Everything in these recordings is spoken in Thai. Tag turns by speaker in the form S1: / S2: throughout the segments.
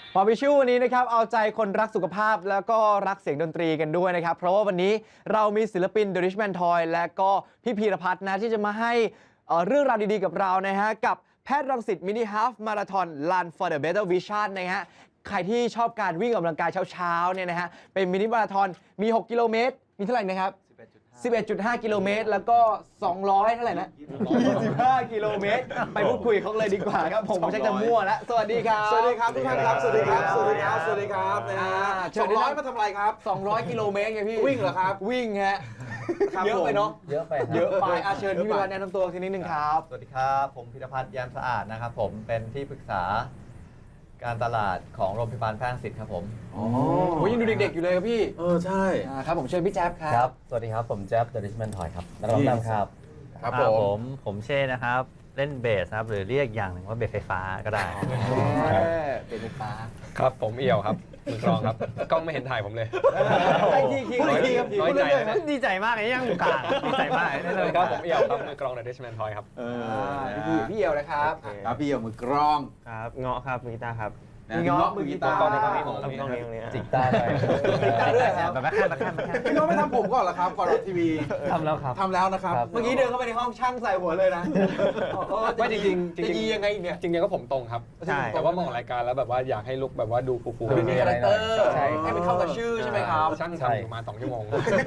S1: หมอวิชูวันนี้นะครับเอาใจคนรักสุขภาพแล้วก็รักเสียงดนตรีกันด้วยนะครับเพราะว่าวันนี้เรามีศิลปิน The Richman Toy และก็พี่พีรพัฒน์นะที่จะมาให้เรื่องราวดีๆกับเรานะฮะกับแพทย์รังสิตมินิฮาล์ฟมาราธอน Run for the Better Vision นะฮะใครที่ชอบการวิ่งออกกำลังกายเช้าๆเนี่ยนะฮะเป็นมินิมาราธอนมี6กิโลเมตรมีเท่าไหร่นะครับ11.5 กิโลเมตรแล้วก็200เท่าไหร่นะ25 กิโลเมตรไปพูดคุยเขาเลยดีกว่าครับผมไม่ใช่จะมั่วแล้วสวัสดีครับ
S2: สวัสดีครับทุกท่านครับสวัสดีครับสวัสดีครับสวัสดีครับนะฮะ200มาทำอะไรครับ
S1: 200 กิโลเมตรไงพี่
S2: วิ่งเหรอครับ
S1: วิ่งฮะเยอะไปเนาะ
S3: เยอะไป
S1: เชิญพี่พิรพัฒน์แนะนำตัวทีนิดนึงครับ
S4: สวัสดีครับผมพิรพัฒน์แย้มสะอาดนะครับผมเป็นที่ปรึกษาการตลาดของโรงพยาบาลแพทย์รังสิตครับผม
S1: ยังดูเด็กๆอยู่เลยครับพี่
S2: ใช่
S1: ครับผมเชิญพี่แจ๊บครั
S3: บสวัสดีครับผมแจ๊บ The Richman Toy ครับนักร้องนำครับ
S4: ครับผมเช่นะครับเล่นเบสครับหรือเรียกอย่างหนึ่งว่าเบสไฟฟ้าก็ได้
S1: เบสไฟฟ้า
S5: ครับผมเอี่ยวครับมือกลองครับกล้องไม่เห็นถ่ายผมเลย
S1: น้อยใจ
S4: ดีใจมากเลยยังกลางดีใจมาก
S5: เลยครับผมเอี่ยวครับมือกลอง The Richman Toy ครับ
S1: พี่เอี่ยวนะครับ
S2: ครับพี่เอี่ยวมือกลอง
S4: ครับเงาะครับมือกีตาร์ครับ
S1: มีเงาะมือกีตาร์
S5: กล้องในกล้อง
S4: นี้
S3: จิกตาด้วย
S4: แบบแม่ข้าง
S2: พี่น้องไม่ทำผมก่อนเหรอครับก่อนออกทีวี
S4: ทำแล้วครับ
S2: ทำแล้วนะครับ
S1: เมื่อกี้เดินเข้าไปในห้องช่างใส่หัวเลยนะ
S5: ไม่จริง
S1: จะยียังไงเนี่ย
S5: จริงๆก็ผมตรงครับแต่ว่ามองรายการแล้วแบบว่าอยากให้ลุคแบบว่าดูฟู
S1: ๆมีคาแรคเตอร์ให้มันเข้ากับชื่อใช่ไหมครับ
S5: ช่างทำประมาณ2 ชั่วโมง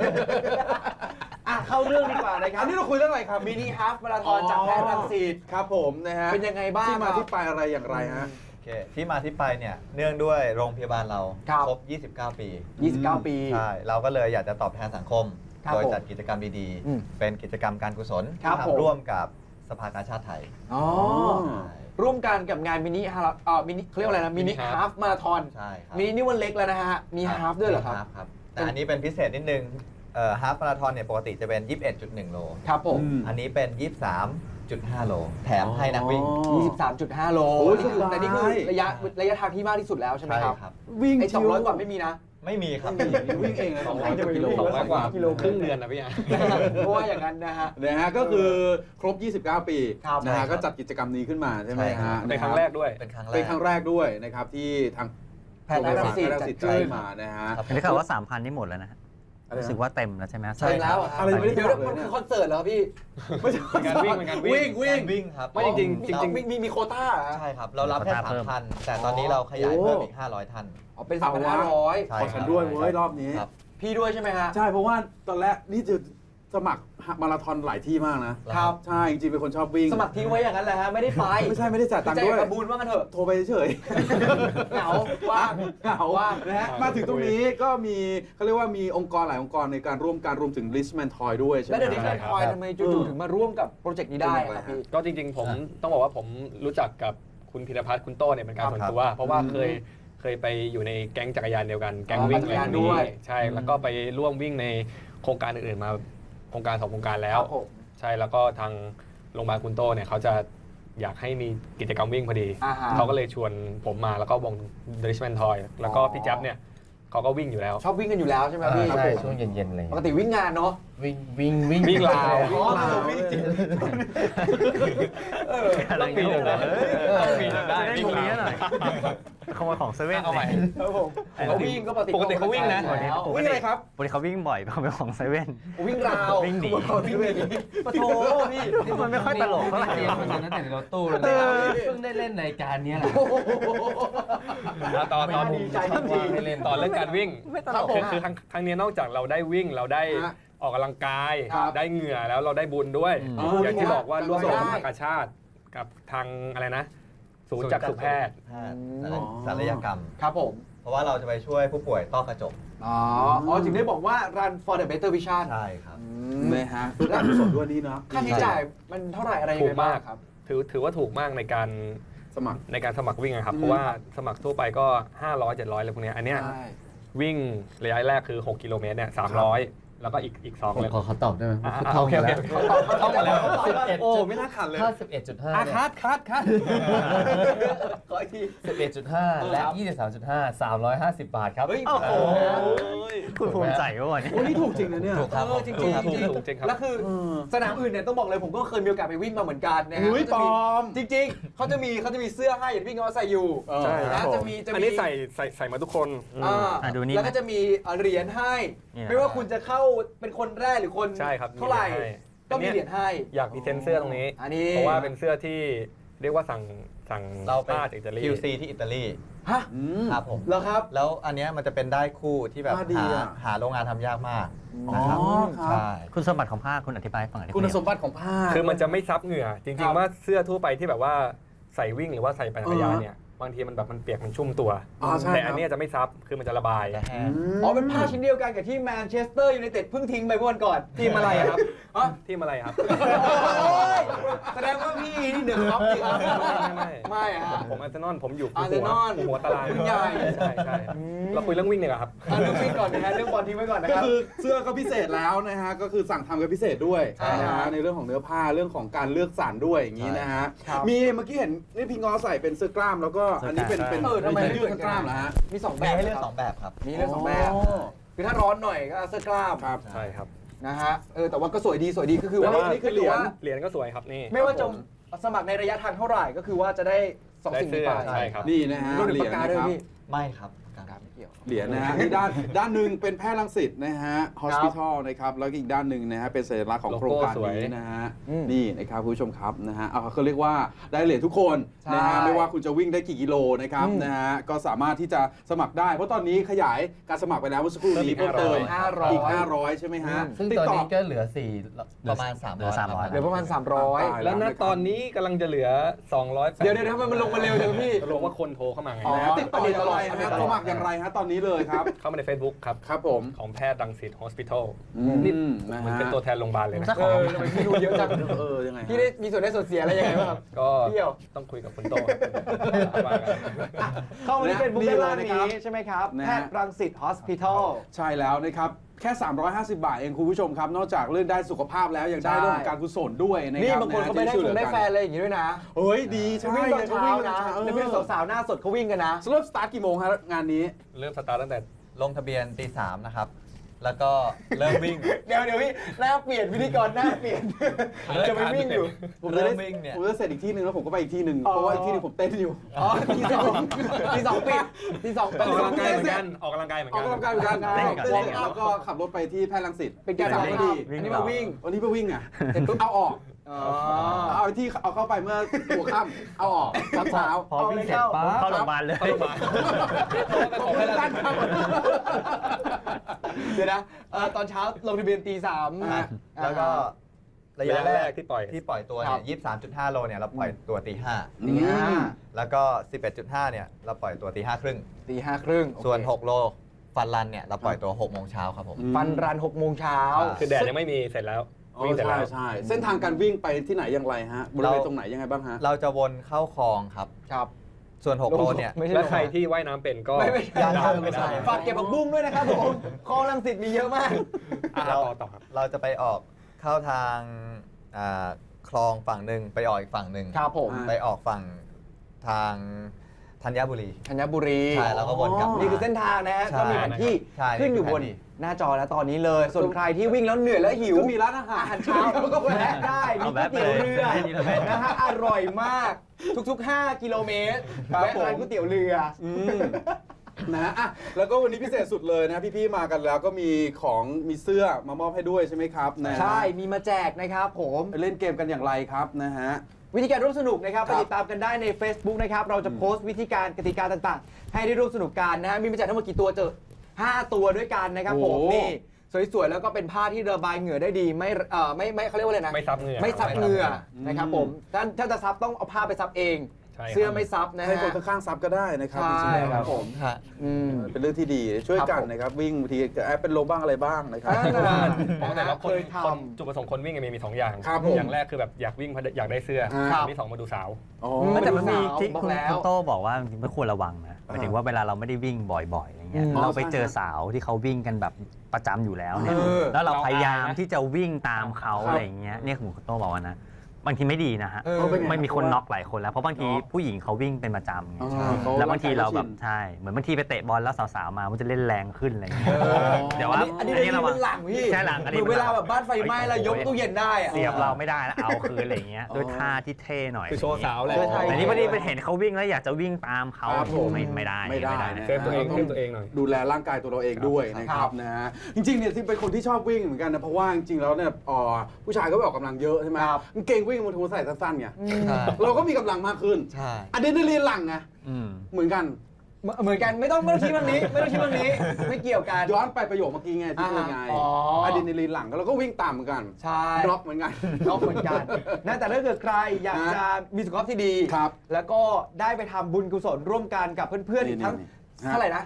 S1: เข้าเรื่องดีกว่านะครับ
S2: อันนี้เราคุยเรื่องอะไรครับ
S1: มินิฮาล์ฟมาราธอนจากแพทย์รังสิต
S2: ครับผมนะฮะ
S1: เป็นยังไงบ้าง
S2: ที่มาที่ไปอะไรอย่างไรฮะ
S4: ที่มาที่ไปเนี่ยเนื่องด้วยโรงพยาบาลเราครบ29 ปี
S1: 29 ปี
S4: ใช่เราก็เลยอยากจะตอบแทนสังคมโดยจัดกิจกรรมดีๆเป็นกิจกรรมการกุศลร่วมกับสภากาชาดไทย
S1: ร่วมกันกับงานมินิเขาเรียกว่าอะไรนะมินิฮาล์ฟมาราธอน
S4: ใช่ครับ
S1: มินินี่วันเล็กแล้วนะฮะมีฮาล์ฟด้วยเหรอครับ
S4: แต่อันนี้เป็นพิเศษนิดนึงฮาล์ฟมาราธอนเนี่ยปกติจะเป็น 21.1 โล
S1: ครับผม
S4: อันนี้เป็น 23.5 โลแถมให้นักวิ่ง
S1: 23.5 โลแต่นี่คือระยะทางที่มากที่สุดแล้วใช่ไหมครับ
S2: วิ่ง
S1: ไอ้200 กว่าไม่มีนะ
S4: ไม่มีครับ
S2: วิ่งเองนะ
S5: 200 กิโลกว่าครึ่งเดือนนะพี่
S1: เพราะว่าอย่างนั้นนะ
S2: ฮะก็คือครบ29 ปีนะฮะก็จัดกิจกรรมนี้ขึ้นมาใช่ไหมฮะ
S5: เป็นครั้งแรกด้วย
S2: เป็นครั้งแรกด้วยนะครับที่ทาง
S1: แพทย์รังสิต
S2: จัดมานะฮะ
S4: ได้ข่าวว่า 3,000 นี่หมดแล้วนะรู้สึกว่าเต็มแล้วใช่ไหม
S1: ใช่แล้ว
S2: อะไรไม่ได้
S1: เดี๋ยวมันคือคอนเสิร์ตเหรอพี่
S2: ไม่ใช่
S5: การ
S2: วิ่ง
S4: ครับ
S1: ไม่จริงมีโควต้า
S4: ใช่ครับเรารับแค่ 3,000 แต่ตอนนี้เราขยายเพิ่มอีก500 ท่าน
S1: เป็น 3,500
S2: ขอฉันด้วยเว้ยรอบนี้
S1: พี่ด้วยใช่ไหมฮะ
S2: ใช่เพราะว่าตอนแรกนี่จะสมัครมาราธอนหลายที่มากนะครับใช่จริงๆเป็นคนชอบวิ่ง
S1: สมัครทิ้งไว้อย่างนั้นแหละฮะไม่ได้ไป
S2: ไม่ได้จ่ายตังค์ด้วย
S1: กระบูนว่ากันเถอะ
S2: โทรไปเฉย
S1: เหงาว่าง
S2: นะฮะมาถึงตรงนี้ก็มีเขาเรียกว่ามีองค์กรหลายองค์กรในการร่วมการรวมถึง Richman Toy ด้วยใช่ไหม
S1: แล้ว Richman Toy ทำไมจู่ๆถึงมาร่วมกับโปรเจกต์นี้ได้ครับพี่
S5: ก็จริงๆผมต้องบอกว่าผมรู้จักกับคุณพิรพัฒน์คุณโต้เนี่ยเป็นการส่วนตัวเพราะว่าเคยไปอยู่ในแก๊งจักรยานเดียวกันแก๊งวิ่งอะไรนี้ใช่แล้วก็ไปร่วมวิ่งในโครงการอื่นๆมาโครงการ2 โครงการแล้วใช่แล้วก็ทางโรงพยาบาลคุณโต้เนี่ยเขาจะอยากให้มีกิจกรรมวิ่งพอดีเขาก็เลยชวนผมมาแล้วก็วง The Richman Toy แล้วก็พี่แจ๊บเนี่ยเขาก็วิ่งอยู่แล้ว
S1: ชอบวิ่งกันอยู่แล้วใช่ไหมพี่
S3: ใช่ช่วงเย็นๆเลย
S1: ปกติวิ่งงานเนาะ
S5: วิ่งลาว
S1: วิ่งจริง
S4: อะไรเงี้ย
S5: ได้
S4: วิ่งลาวหน่อยขโมยของเซเว่น
S5: เอาใหม่
S1: เขาวิ่งก็
S5: ปกติเขาวิ่งนะ
S1: วิ่งอะไรครับ
S4: ปกติเขาวิ่งบ่อยขโมยของเซเว่น
S1: วิ่งราว
S4: วิ่งหนี
S1: ปะโถพี่
S4: มันไม่ค่อยตลกเท่าไหร่
S3: ตอนนั้นแต่ในรถตู้เลยเพิ่งได้เล่นรายการนี้แหละ
S5: ตอนเรื่องการวิ่งคือครั้งนี้นอกจากเราได้วิ่งเราได้ออกกำลังกายได้เหงื่อแล้วเราได้บุญด้วยอย่างที่บอกว่าร่วมกับสภากาชาดกับทางอะไรนะศูนย์จักษุแพทย์
S4: ศัลยกรรม
S1: ครับผม
S4: เพราะว่าเราจะไปช่วยผู้ป่วยต้อกระจก
S1: ถึงได้บอกว่า Run for the Better Vision
S4: ใช่ครับ
S2: นะฮะและสดด้วยนี้เนาะ
S1: ค่าใช้จ่ายมันเท่าไหร่อะไรยังไงบ้างครับ
S5: ถือว่าถูกมากในการสมัครวิ่งครับเพราะว่าสมัครทั่วไปก็500 700อะไรพวกนี้อันเนี้ยวิ่งระยะแรกคือ6 กิโลเมตรเนี่ย300 แล้วก็อีก2เลย
S3: ขอตอบได้ไหม
S5: โอเคเข้ามาแล้ว
S3: โอ้ไม่น่าขัดเลยถ้า 11.5 เนี่ย
S5: คัด
S1: ขออีกที
S3: 11.5 และ 23.5 350 บาทครับ
S1: เฮ้ยโอ้โห
S6: คุณภูมิใจก็วันนี้
S2: โอ้นี่ถูกจริงนะเนี่ย
S3: ถูกครับ
S1: จริงๆ
S5: ถูกจริงครับ
S1: แล้วคือสนามอื่นเนี่ยต้องบอกเลยผมก็เคยมีโอกาสไปวิ่งมาเหมือนกันนะฮะ
S2: เฮ้ย
S1: ก็จะมี
S2: ปลอม
S1: จริงๆเขาจะมีเสื้อให้อย่างที่พี่เขาใส่อยู่
S2: ใช่
S1: นะจะมี
S5: อันนี้ใส่มาทุกคน
S6: ดูนี่
S1: แล้วก็จะมีเหรียญให้
S6: เนี่ย
S1: ไม่ว่าคุณจะเข้าเป็นคนแรกหรือคน
S5: ใช่ครับ
S1: เท่าไหร่
S5: มีเหรียญให้
S1: ก็มีเหรียญให้
S5: อยากพรีเซนต์เสื้อตรงนี้
S1: อันนี้
S5: เพราะว่าเป็นเสื้อที่เรียกว่าสั่ง
S4: เราไป
S5: ผ้าจากอิตาลี
S4: QC ที่อิตาลี
S1: ฮะ
S4: ครับผม
S1: แล้วครับ
S4: แล้วอันเนี้ยมันจะเป็นได้คู่ที่แบบ
S2: ผ้าดีอะ
S4: หาโรงงานทำยากมาก
S2: อ๋อ
S4: นะครับ
S2: ครับ
S4: ใช่
S6: คุณสมบัติของผ้าคุณอธิบายให้ฟังหน่อยได้ไหม
S2: คุณสมบัติของผ้า
S5: คือมันจะไม่ซับเหงื่อ จ
S1: ครั
S5: ริง
S1: บ
S5: ๆว่าเสื้อทั่วไปที่แบบว่าใส่วิ่งหรือว่าใส่ปั่นจักรยานเนี่ยบางทีมันแบบมันเปียกมันชุ่มตัว
S2: อ๋อใช่
S5: แต่
S2: ครับ
S5: อันเนี้ยจะไม่ซับคือมันจะระบาย
S4: จะแห้ง
S1: อ๋อเป็นผ้าชิ้นเดียวกันกับที่แมนเชสเตอร์ยูไนเต็ดเพิ่งทิ้งไปเมื่อวันก่อน
S5: ทีมอะไรอะครับ
S1: อ๋อ
S5: ทีมอะไรครับ
S1: โอ้ยแสดงว่าพี่นี่เดือดครับจริงครับ
S5: ไม่
S1: ไม่ฮะ
S5: ผมอาร์เซนอลผมอยู่
S1: อาร์เซนอล
S5: หัวตาราง
S1: ใหญ่
S5: ใช่เราคุยเรื่องวิ่งเนี่ยครับ
S1: เรื่องวิ่งก่อนนะฮะเรื่องบอลทิ้งไว้ก่อนนะ
S2: ก็
S1: ครับ
S2: คือเสื้อก็พิเศษแล้วนะฮะก็คือสั่งทำกันพิเศษด้วย
S1: ใช่
S2: นะ
S1: ครั
S2: ฮะ
S1: บ
S2: ในเรื่องของเนื้อผ้าเรื่องของการเลือกสรรด้วยอย่างนี้นะฮะ
S1: ครับ
S2: มีเมื่อกี้เห็นนี่พี่งอใส่เป็นเสื้อกล้ามแล้วก็อันนี้เป็น
S5: ใช่
S1: ทำไม
S2: ยืดเสื้อกล้ามเหรอฮะ
S1: มี2 แบ
S4: มี
S1: บ
S4: ให้เลือก
S1: ครับ
S4: 2 แบบครับ
S1: มีเรื่อง2 แบบ
S2: อ๋อ
S1: คือถ้าร้อนหน่อยก็เอาเสื้อกล้าม
S2: ครับ
S5: ใช่ครับ
S1: นะฮะแต่ว่าก็สวยดีก็คือว่า
S2: แล้วนี่คือเหรียญ
S5: เหรียญก็สวยครับนี่
S1: ไม่ว่าจะสมัครในระยะทางเท่าไหร่ก็คือว่าจะได้2 สิ่งนี้ไป
S5: ใช่ครับ
S2: นี่นะฮะ
S1: รุ่น
S2: เหรี
S1: ปาย
S2: ญ
S1: กกา
S2: นะ
S1: ด้วย
S2: ครับ
S1: พี่
S4: ไม่ครับ
S1: ครับไม่เกี่ยว
S2: เหรียญนะฮะนี่ด้านหนึ่งเป็นแพทย์รังสิตนะฮะ hospital นะครับแล้วก็อีกด้านหนึ่งนะฮะเป็นสัญลักษณ์ของโครงการ
S5: โลโก้สวย
S2: นี้นะฮะ
S1: อืม
S2: นี่นะครับคุณผู้ชมครับนะฮะเขาเรียกว่าได้เหรียญทุกคน
S1: ใช่
S2: นะฮะไม่ว่าคุณจะวิ่งได้กี่กิโลนะครับนะฮะก็สามารถที่จะสมัครได้ เพราะตอนนี้ขยายการสมัครไปแล้วเมื่อสักครู่นี้
S5: เพิ่
S2: เพิ่
S5: ม
S2: ม
S5: อีก
S2: เติม
S1: 500
S2: อีก500ใช่ไหมฮะ
S3: ซึ่ง
S2: ติด
S3: ตอน
S2: ต่อ
S3: นี้ก็เหลือ
S4: ประมาณ
S6: เหลือ
S4: 300
S6: 300
S1: เหลือประมาณ
S2: ตาย
S1: 300
S5: แล้วณตอนนี้กำลังจะเหลือ200
S1: เดี๋ยวทำไมมันลงมาเร็วจังพี่
S5: ลงว่าคนโทรเข้ามาไง
S1: อ๋อ
S2: นะฮะติดต่ออย่างไรฮะสมัครอย่างไรฮะตอนนี้เลยครับ
S5: เข้ามาใน Facebook ครับ
S2: ครับผม
S5: ของแพทย์รังสิต Hospital
S2: นี่
S5: นี่
S2: นะ
S5: เหมัน
S2: ฮะ
S5: เป็นตัวแทนโรงพยาบาลเลยนะ
S1: ทำไมพี่รู้เยอะจัง
S2: ยังไงฮะ
S1: พี่ได้มีส่วนได้ส่วนเสียอะไรยังไงบ้างครับ
S5: ก็
S1: เที่ยว
S5: ต้องคุยกับคุณโตครับว่ากัน
S1: เข้ามาที่เฟซบุ๊ก
S2: นี่
S1: ด้าน
S2: เลย
S1: ล่าง
S2: นะครับ
S1: นี้ใช่ไหมครับ
S2: นะฮะ
S1: แพทย์รังสิต Hospital
S2: ใช่แล้วนะครับ แค่ 350 บาทเองคุณผู้ชมครับ นอกจากเรื่องได้สุขภาพแล้วยังได้
S1: ใช่
S2: เรื่องของการกุศลด้วยนะครับ
S1: นี่บางคนเขาไปได้
S2: ที่ช่วย
S1: ฟงได้
S2: เหลือ
S1: แฟ
S2: กัน
S1: อะไรอย่างงี้ด้วยนะ
S2: เฮ้ยดีใช่
S1: วิ่งตอนเช้านะ
S2: เออ
S1: แล้วพี่สาวๆหน้าสดเขาวิ่งกันนะ
S2: เริ่มสตาร์ทกี่โมงฮะงานนี้
S5: เริ่มสตาร์ทตั้งแต่
S4: ลงทะเบียนตี 3 นะครับ แล้วก็เริ่มวิ่ง
S1: เดี๋ยวพี่หน้าเปลี่ยนพิธีกรหน้าเปลี่ยนจะไปวิ่งอยู่
S2: ผมจะได้
S4: เริ่มวิ่งเนี่ย
S2: ผมจะเสร็จอีกที่หนึ่งแล้วผมก็ไปอีกที่หนึ่ง
S1: อ๋อ
S2: เพราะว่าอีกที่หนึ่งผมเต้นอยู่
S1: อ๋อที่สองปิดที่สอง
S5: ออกกำลังกายเหมือนกันออกกำลังกายเหมือน
S2: ออ
S5: กั
S2: ก
S5: น
S2: กำลังกายเหมือนกัน
S1: เล่น
S2: เต้น
S1: กับ
S2: เสร็จแล้วก็ขับรถไปที่แพทย์รังสิต
S1: เป็นการ
S2: สา
S1: สาม ม
S2: พ
S1: พ
S2: อ
S1: อ
S2: ดี
S1: ดีอันนี้มาวิ่ง
S2: วันนี้ไปวิ่งอ่ะ
S1: เสร็จปุ๊บ
S2: เอาออก
S1: อ๋อ
S2: เอาที่เอาเข้าไปเมื่อหัวค่ำเอาออกตอนเช้า
S6: พอวิ่งเสร็จปั๊บเข้าโรงพยาบาลเลย
S2: ขอบคุณท่านครับ
S1: เดี๋ยวนะตอนเช้าลงทะเบียนตี 3
S2: ฮะ
S4: แล้วก็ระยะ
S5: ระยะ
S4: แร
S5: แร
S4: ก
S5: กที่ปล่อย
S4: ที่ปล่อยตัว
S1: ครั
S4: เนี่ย
S1: บ
S4: 23.5 โลเนี่ยเราปล่อยตัวตี
S2: อืม
S4: 5 แล้วก็ 11.5 เนี่ยเราปล่อยตัวตี 5 ครึ่ง
S1: ตีห้าครึ่ง
S4: ส่วน 6 โลฟันรันเนี่ยเราปล่อยตัว 6 โมงเช้าครับผม
S1: ฟันรัน6 โมงเช้า
S5: คือแดดยังไม่มีเสร็จแล้ว วิ่งเสร็จ
S2: ใช่
S5: แล้ว
S2: ใช่เส้นทางการวิ่งไปที่ไหนอย่างไรฮะบริเวณตรงไหนยังไงบ้างฮะ
S4: เราจะวนเข้าคลองครับ
S1: ครับ
S4: ส่วน 6 โลเนี่ย
S1: ไม่ใช่
S5: และใครที่ว่ายน้ำเป็นก็
S1: ไม่
S4: ยัง
S5: ได้
S4: ไม่ใช่
S1: ฝากเก็บผักบุ้งด้วยนะครับผมคลองรังสิตมีเยอะมาก
S5: ต่อครับ
S4: เราจะไปออกเข้าทางคลองฝั่งหนึ่งไปออกอีกฝั่งหนึ่ง
S1: ครับผม
S4: ไปออกฝั่งทางธัญบุรี
S1: ธัญบุรี
S4: ใช่แล้วก็วนกลับมา
S1: นี่คือเส้นทางนะฮะ
S4: ใช่
S1: ก็มีแผนที่
S4: ใช่
S1: ขึ้นอยู่บน
S4: นี่คือแผนที่
S1: หน้าจอแล้วตอนนี้เลย ส่วนใครที่วิ่งแล้วเหนื่อยแล้วหิว
S2: ก็มีร้านอาหาร
S1: อาหารเช้าก็แวะได้มี
S6: เอา
S1: ก๋วย
S6: แวะไป
S1: เตี๋ยวเรือ
S6: เลยนี่เราแวะ
S1: นะฮะอร่อยมากทุกๆ 5 กิโลเมตร
S2: ครับ
S1: แวะร้าน
S2: ผม
S1: ก๋วยเตี๋ยวเรือ
S2: นะอ่ะแล้วก็วันนี้พิเศษสุดเลยนะพี่ๆมากันแล้วก็มีของมีเสื้อมามอบให้ด้วยใช่ไหมครับนะ
S1: ใช่มีมาแจกนะครับผม
S2: เล่นเกมกันอย่างไรครับนะฮะ
S1: วิธีการร่วมสนุกนะครับ
S2: ค
S1: ไป
S2: รับ
S1: ติดตามกันได้ใน Facebook นะครับเราจะโพสต์วิธีการกติกาต่างๆ ให้ได้ร่วมสนุกกันนะฮะมีมาแจกทั้งหมดกี่ตัวเจอ5 ตัวด้วยกันนะครับผมนี่สวยๆแล้วก็เป็นผ้าที่ระบายเหงื่อได้ดีไม่เขาเรียกว่าอะไรนะ
S5: ไม่ซับเหงื่อ
S1: ไม่ซับเหงื่อ
S2: อืม
S1: นะครับผมถ้าจะซับต้องเอาผ้าไปซับเอง
S5: ใช่ครับ
S1: เสื้อไม่ซับนะ
S2: ให้
S1: ฮะ
S2: คนข้างๆซับก็ได้นะครับ
S1: ใช่
S2: จริงๆ
S1: ครับ
S2: ผม
S4: ฮะ
S2: เป็นเรื่องที่ดีช่วยกัน
S1: ครับผม
S2: นะครับวิ่งบางทีแอบเป็นลมบ้างอะไรบ้างนะครับ
S5: เพราะแต่ละคน
S1: เคยทำ
S5: คนจุดประสงค์คนวิ่งมี2 อย่าง
S2: ครับผม
S5: อย่างแรกคือแบบอยากวิ่งเพราะอยากได้เสื้อ
S2: ครับ
S5: ที่ 2มาดูสาว
S2: อ๋อ
S6: แต่มันมี
S1: สาว
S6: ที่
S1: บอก
S6: คุณ
S1: แล้ว
S6: คุณโต้บอกว่าจริงๆไม่ควรระวังนะหมายถึงว่าเวลาเราไม่ได้วิ่งบ่อยๆอย่างเงี้ย
S1: อืม
S6: เราไป
S2: ใช่
S6: เจอสาวที่เขาวิ่งกันแบบประจำอยู่แล้วเนี่ย
S1: เออ
S6: แล้วเราพยายาม
S5: เราอายนะ
S6: ที่จะวิ่งตามเขา
S2: ครับ
S6: อะไรอย่างเงี้ยเนี่ยคุณโต้บอกว่านะบางทีไม่ดีนะฮะ
S1: เออ
S6: ไม่มีคนน็อกหลายคนแล้วเพราะบางที
S2: เนอะ
S6: ผู้หญิงเขาวิ่งเป็นประจำไง
S2: อ๋อเขา
S6: แล้วบางทีเราแบบ
S2: ร่างกายเขาชิน
S6: ใช่เหมือนบางทีไปเตะบอลแล้วสาวๆมามันจะเล่นแรงขึ้นอะไรอย่างเงี้ย
S1: เออ
S6: เดี๋ยวว่า
S1: อันนี้
S6: อันนี้
S1: เรา
S6: ระวัง
S1: หลังพี่
S6: ใช่หลังอันนี้
S1: เหมือนเวลาแบบบ้านไฟไหม้แล้วยกตู้เย็นได้อะ
S6: เสียบเราไม่ได้แล้วเอาคืนอะไรอย่างเงี้ยด้วยท่าที่เท่หน่อย
S5: คือโชว์สาวแหละ
S6: แต่นี่พอดีไปเห็นเขาวิ่งแล้วอยากจะวิ่งตามเขา
S2: ครับผม
S6: ไม่ได้
S2: ไม่ได้
S6: นะ
S5: เซฟตัวเองเซฟตัวเองหน่อย
S2: ดูแลร่างกายตัวเราเองด้วยนะครับนะฮะจริงๆเนี่ยที่เป็นคนที่ชอบวิ่งเหมือนกันนะเพราะว่าจริงๆแล้วเนี่ยผู้ชายก็ไปออกกำลังเยอะใช่ไหม
S1: ครับ
S2: กางเกงวิ่งมันถูใส่สั้นๆไง
S4: ใช่
S2: เราก็มีกำลังมากขึ้น
S4: ใช่
S2: อะดรีนาลีนหลั่งไง
S6: อืม
S2: เหมือนกัน
S1: เหมือนกันไม่ต้องคิดเรื่องนี้ไม่ต้องคิดเรื่องนี้ ไม่เกี่ยวกัน
S2: ย้อนไปประโยคเมื่อกี้ไงที่เป็นไง
S1: อ๋ออะ
S2: อะดรีนาลีนหลั่งก็เราก็วิ่งตามเหมือนกัน
S1: ใช่
S2: ดรอปเหมือนกัน
S1: น้องเหมือนกันนะแต่ถ้าเกิดใครอยากจะมีสุขภาพที่ดี
S2: ครับ
S1: แล้วก็ได้ไปทำบุญกุศลร่วมกันกับเพื่อนๆอีกทั้ง
S2: นี่ เท่า
S1: เท่า
S2: ไห
S1: ไห
S2: ร่
S1: ร่
S2: นะ
S1: นะ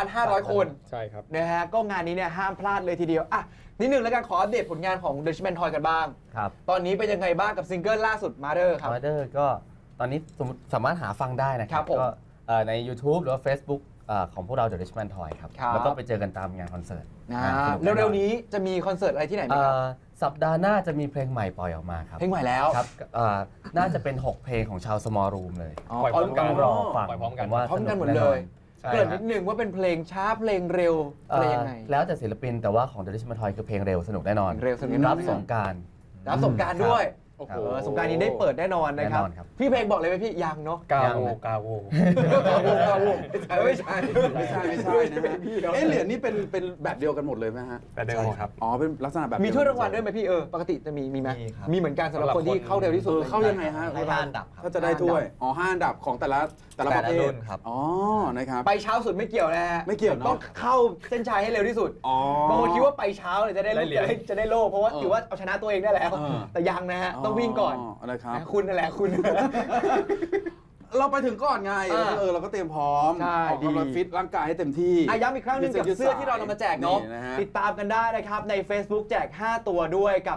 S1: 3,500 คน
S5: ใช่ครับ
S1: นะฮะก็งานนี้เนี่ยห้ามพลาดเลยทีเดียวอ่ะนิดนึงแล้วกันขออัปเดตผลงานของ The Richmond Toy กันบ้าง
S3: ครับ
S1: ตอนนี้เป็นยังไงบ้างกับซิงเกิลล่าสุด Mother ครับ
S3: มาเดอร์ก็ตอนนี้สามารถหาฟังได้นะค
S1: ครั
S3: รั
S1: บบ ผม
S3: ก็ใน YouTube หรือว่า Facebook ของพวกเรา The Richmond Toy ครับ
S1: ครับ
S3: แล้วก็ไปเจอกันตามงานคอนเสิร์ต
S1: นะ
S3: สกแอ
S1: เร็วๆนี้จะมีคอนเสิร์ตอะไรที่ไหนไหมครับ
S3: สัปดาห์หน้าจะมีเพลงใหม่ปล่อยออกมาครับ
S1: เพลงใหม่แล้ว
S3: ครับน่าจะเป็น 6 เพลงของชาว Small Room เลย
S5: ปล่อยพร้อมกัน
S3: ต้องรอฟัง
S5: ปล่อยพร้อมกัน
S3: ผว่า
S1: พร้อมกันหมด
S3: ส
S1: เลย
S3: ใช่
S1: เกริ่น
S3: ครั
S1: นิ
S3: บ
S1: ดนึงว่าเป็นเพลงช้าเพลงเร็วอะไรยังไง
S3: แล้วแต่ศิลปินแต่ว่าของ The Richmond Toy คือเพลงเร็วสนุกแน่นอน
S1: เร็วสนุกแน่นอน
S3: รับสงกราร
S1: รับสงกรารด้วย
S2: โอ้โห
S1: สงกรารนี้ได้เปิดแน่นอนนะครับ
S3: แน่นอนครับ
S1: พี่เพลงบอกเลยไหมพี่ยังเนาะ
S5: กา
S3: ยัง
S5: โว
S3: นะ
S5: กาโว
S1: ไม่ใช่
S2: ไม่ใช่นะฮะเหรียญนี่เป็นแบบเดียวกันหมดเลยไหมฮะ
S5: แต่เดิมครับ
S2: อ๋อเป็นลักษณะแบบ
S1: มีถ้วยรางวัลด้วยไหมพี่ปกติจะมีไหม
S4: มีครับ
S1: มีเหมือนกันสำหรับคนที่เข้าเร็วที่สุด
S2: เข้ายังไงฮะ
S4: ให้ห้าอันดับครับ
S2: ก็จะได้ถ้วยอ๋อ5 อันดับของแต่ละประเภ
S4: แต่ละรุ่
S2: ท
S4: นครับ
S2: อ๋อนะครับ
S1: ไปเช้าสุดไม่เกี่ยวนะฮะ
S2: ไม่เกี่ยวเนอะ
S1: ต้องเข้าเส้นชัยให้เร็วที่สุด
S2: อ๋อบ
S1: างคนคิดว่าไปเช้าเลยจะได้
S5: ได้เหรียญ
S1: จะได้โล่เพราะว่าถือว่าเอาชนะตัวเองได้แล้ว
S2: เออ
S1: แต่ยังนะฮะต้องวิ่งก่อน
S2: นะครับ
S1: นะคุณนั่นแหละคุณ
S2: เราไปถึงก่อนไง
S1: อ่า
S2: เราก็เตรียมพร้อม
S1: ใช่
S2: ออกกำลัง
S1: ดี
S2: ฟิตร่างกายให้เต็มที่
S1: ย้ำอีกครั้งหนึงกับเสื้อที่เรานำมาแจกเนาะ
S2: ฮะ
S1: ติดตามกันได้นะครับใน Facebook แจก 5 ตัวด้วยกับ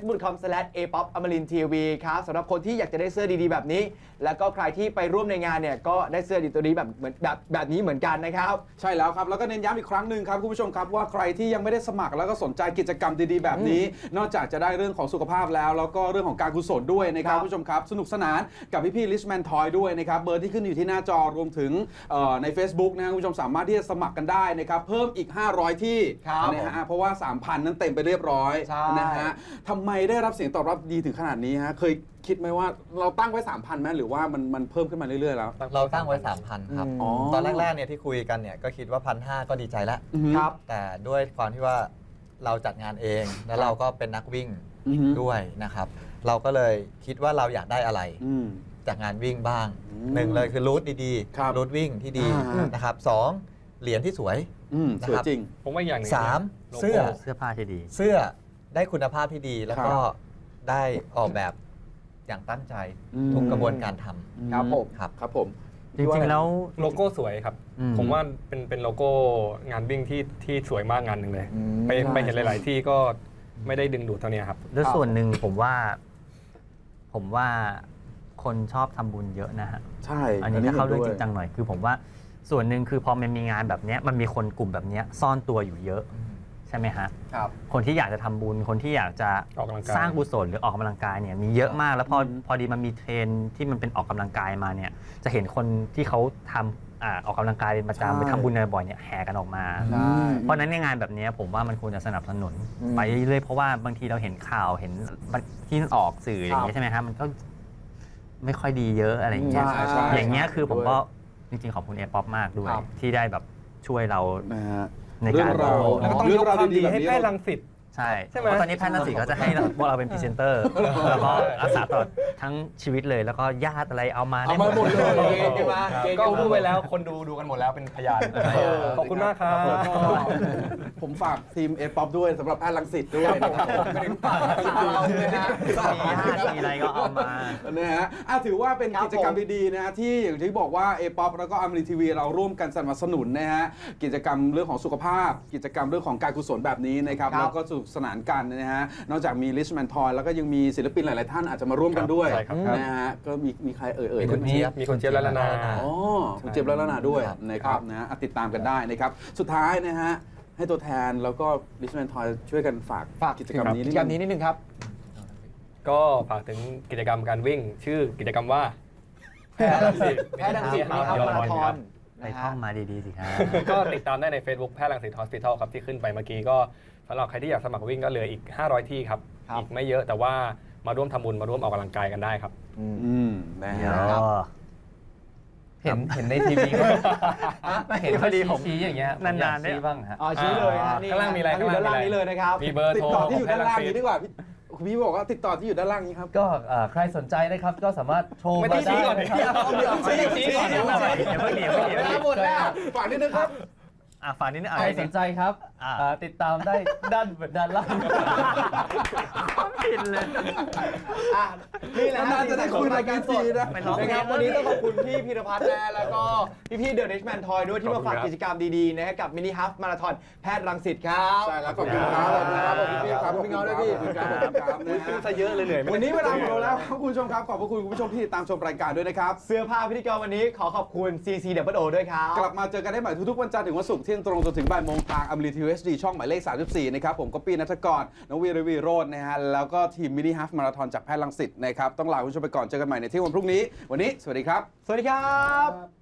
S1: facebook.com/apopamarinTV ครับสำหรับคนที่อยากจะได้เสื้อดีๆแบบนี้ แล้วก็ใครที่ไปร่วมในงานเนี่ยก็ได้เสื้อดีตัวนี้แบบนี้เหมือนกันนะครับ
S2: ใช่แล้วครับ แล้วก็เน้นย้ำอีกครั้งหนึ่งครับคุณผู้ชมครับว่าใครที่ยังไม่ได้สมัครแล้วก็สนใจกิจกรรมดีๆแบบนี้ นอกจากจะได้เรื่องของสุขภาพแล้วก็เรื่องของการกุศลด้วยนะครับ
S1: ครับ
S2: คุณผู้ชมครับสนุกสนานกับพี่ๆ Richmond Toy ด้วยนะครับเบอร์ที่ขึ้นอยู่ที่หน้าจอรวมถึงใน Facebook นะครับคุณผู้ชมสามารถที่จะสมัครกันได้นะครับเพิ่มอีก 500 ที่
S1: ครับ
S2: นะฮะเพราะว่า 3,000 นั้นเต็มไปเรียบร้อย
S1: ใช่
S2: นะฮะทำไมได้รับเสียงตอบรับดีถึงขนาดนี้ฮะเคยคิดไหมว่าเราตั้งไว้ 3,000ไหมหรือว่ามันเพิ่มขึ้นมาเรื่อยๆแล้ว
S4: เราตั้งไว้ 3,000 ครับ
S1: อ๋อ
S4: ตอนแรกๆเนี่ยที่คุยกันเนี่ยก็คิดว่า 1,500 ก็ดีใจแล้ว
S1: ครับ
S4: แต่ด้วยความที่ว่าเราจัดงานเอง แล้วเราก็เป็นนักวิ่ง
S2: อือฮึ
S4: ด้วยนะครับ เราก็เลยคิดว่าเราอยากได้อะไร
S2: อืม
S4: จากงานวิ่งบ้าง
S2: อืม
S4: หนึ่งเลยคือรูทดี
S2: ครับ
S4: รูทวิ่งที่ดี
S2: อ่า
S4: นะครับสองเหรียญที่สวย
S2: สวยจริง
S5: ผมว่าอย่างหนึง
S4: สาม
S5: โลโก้
S4: เสื้อ
S6: เสื้อผ้าที่ดี
S4: เสื้อได้คุณภาพที่ดี แล้วก็
S2: ครับ
S4: ได้ออกแบบอย่างตั้งใจ
S2: อืม
S4: ทุกกระบวนการท
S1: ครับผม
S4: ำครับ
S2: ครับผม
S6: จริงๆแล้ว
S5: โลโก้สวยครับ
S6: อืม
S5: ผมว่าเป็นโลโก้งานวิ่งที่สวยมากงานหนึ่งเลย
S1: อืม
S5: ไปเห็นหลาย ๆ ที่ก็ไม่ได้ดึงดูดเท่านี้ครับ
S6: ด้วยส่วนหนึ่งผมว่าคนชอบทำบุญเยอะนะฮะ
S2: ใช่
S6: อันนี้ถ้าเข้าเรื่องจ
S2: ห็
S6: ริ
S2: น
S6: ง
S2: ด้
S6: จั
S2: วย
S6: งหน่อยคือผมว่าส่วนหนึ่งคือพอมันมีงานแบบเนี้ยมันมีคนกลุ่มแบบเนี้ยซ่อนตัวอยู่เยอะใช่ไหมฮะ
S1: ครับ
S6: คนที่อยากจะทำบุญคนที่อยากจะ
S5: ออกกำลังกาย
S6: สร้างกุศลหรือออกกำลังกายเนี่ยมีเยอะมากแล้วพอดีมันมีเทรนด์ที่มันเป็นออกกำลังกายมาเนี่ยจะเห็นคนที่เขาทำออกกำลังกายเป็นประจำไปทำบุญบ่อยๆเนี่ยแห่กันออกมา
S1: ใช่
S6: เพราะฉะนั้นในงานแบบนี้ผมว่ามันควรจะสนับสนุน ไปเรื่อยๆเพราะว่าบางทีเราเห็นข่าวเห็นที่ออกสื่ออย่างเงี้ยใช่ไหมครับมันก็ไม่ค่อยดีเยอะอะไรอย่างเงี้ย
S2: ใช่ใช่
S6: อย่างเงี้ยคือผม
S2: ด้วย
S6: ก็จริงๆขอบคุณเอป๊อปมากด้วย ที่ได้แบบช่วยเรา
S2: นะฮะ
S6: ใน
S2: เรื่
S6: กา
S2: อง
S6: ร
S2: ราว
S5: แล้วก็ต้อง
S2: เรื่
S5: ย
S2: อก งราว
S5: ความ
S2: ดี
S5: ดี
S2: ๆแบบ
S5: ให้
S2: นี้
S5: แพทย์รังสิต
S6: ใช่
S5: ใช่ไหม
S6: เพราะตอนนี้แพทย์รังสิตก็จะให้พวกเราเป็นพรีเซนเตอร์ แล้วก็รักษาตลอดทั้งชีวิตเลย แล้วก็ญาติอะไรเอามาได้
S2: เอามาหมดเลย
S1: เกณฑ์กันมาเกณฑ์
S5: ก็
S1: กันมา
S5: พูดไปแล้วคนดูกันหมดแล้วเป็นพยานขอบคุณมากครับ
S2: ผมฝากทีมเอป๊อปด้วยสำหรับแพทย์รังสิตด้วยนะครับไม่ได้ฝากเราเลยนะ
S6: มีญาติมีอะไรก็เอามา
S2: นะฮะถือว่าเป็น
S1: ครับ
S2: กิจกรรมดีๆนะฮะที่อย่างที่บอกว่าเอป๊อปแล้วก็อมรินทีวีเราร่วมกันสนับสนุนนะฮะกิจกรรมเรื่องของสุขภาพ กิจกรรมเรื่องของการกุศลแบบนี้นะครับ
S1: ครับ
S2: แล้วก็สนุกสนานกันนะฮะนอกจากมีลิชแมนทอยแล้วก็ยังมีศิลปินหลายๆท่านอาจจะมาร่วมกันด้วย
S5: ใช่ครับ
S2: นะฮะก็มีใครเอ่ย
S5: มีคุณเจี๊ยบมีคุณเจี๊ยบและละนา
S2: อ๋อคุณเจี๊ยบและละนาด้วยนะครับนะฮะติดตามกันได้นะครับสุดท้ายนะฮะให้ตัวแทนแล้วก็ลิชแมนทอยช่วยกันฝาก
S1: ฝาก
S2: กิจกรรมนี้
S1: กิจกรรมนี้นิดนึงครับ
S5: ก็ฝากถึงกิจกรรมการวิ่ง ชื่อกิจกรรมว่า
S1: แพทย์รังสิตมินิฮับมาราธอน
S6: ไปท่องมาดีๆสิครับ
S5: ก็ติดตามได้ใน Facebook แพทย์รังสิตฮอสพิทอลครับที่ขึ้นไปเมื่อกี้ก็สำหรับใครที่อยากสมัครวิ่งก็เหลืออีก 500 ที่ครับ
S1: ครับ
S5: อีกไม่เยอะแต่ว่ามาร่วมทำบุญมาร่วมออกกำลังกายกันได้ครับ
S2: นะ
S6: เดี๋ยว
S2: ฮะ
S3: เห็นในทีวีก็เห็นพอดีผมชี้อย่างเงี้ย
S6: นานๆเนี่ย
S3: ชี้บ้างฮะ
S1: อ๋อชี้เลยฮะนี่
S5: ข้างล่างมีอะไร
S1: อยู่ด้านล่างนี้เลยนะครับ
S5: มีเบอร์
S2: ติด
S5: โทร
S2: ต่อที่อยู่ด้านล่าง
S5: ข
S2: นี้ดีกว่าคุณพี่บอกว่าติดต่อที่อยู่ด้านล่างนี้ครับ
S3: ก็ใครสนใจนะครับก็สามารถโทร
S5: ไม่
S3: มา
S5: ต้องชี้
S3: ได้
S5: ก่อน
S3: นะครับ
S5: ชี้ก่อน
S6: เดี๋ยว
S1: หมดแล้ว
S2: ฝากนิดนึงครับ
S6: ฝากนิดนึง
S3: ใครสนใจครับ ติดตามได้ด้านล่าง
S6: ผิดเลย
S1: อ่ะนี่แหละฮะ
S2: นานๆจะได้คุยรายการทีนะ
S6: ไปร้องเพล
S1: นะ
S6: ง
S1: ครับวันนี้ต้องขอบคุณพี่พีรพัฒน์นะแล้วก็พี่เดอะริชแมนทอยด้วยที่มาฝากกิจกรรมดีๆนะฮะกับมินิฮับมาราธอนแพทย์รังสิตครับ
S2: ใช่แล้วขอบคุณครับขอบคุณครับขอบคุณพี่ครับ
S1: ขอบคุณพี่เงาด้วยพี่
S2: ขอบคุณครับขอบคุณครับนะฮะ
S5: ซะเยอะเลยเหนื่อยไหม
S2: วันนี้เวลาหมดลงแล้วครับคุณผู้ชมครับขอบพระคุณคุณผู้ชมที่ติดตามชมรายการด้วยนะครับ
S1: เสื้อผ้าพิธีกรวันนี้ขอขอบคุณ CCWO ด้วยครับ
S2: กลับมาเจอกันได้ใหม่ทุกๆวันจันทร์ถึงวันศุกร์เที่ยงตรงจนถึงบ่ายโมงทางอมรินทีวีHD ช่องหมายเลข 34 นะครับผมก็ปีนัทกรน้องวีรวีโรจน์นะฮะแล้วก็ทีมมินิฮัฟมาราธอนจากแพทย์รังสิตนะครับต้องลาคุณผู้ชมไปก่อนเจอกันใหม่ในเที่ยงวันพรุ่งนี้วันนี้สวัสดีครับ
S1: สวัสดีครับ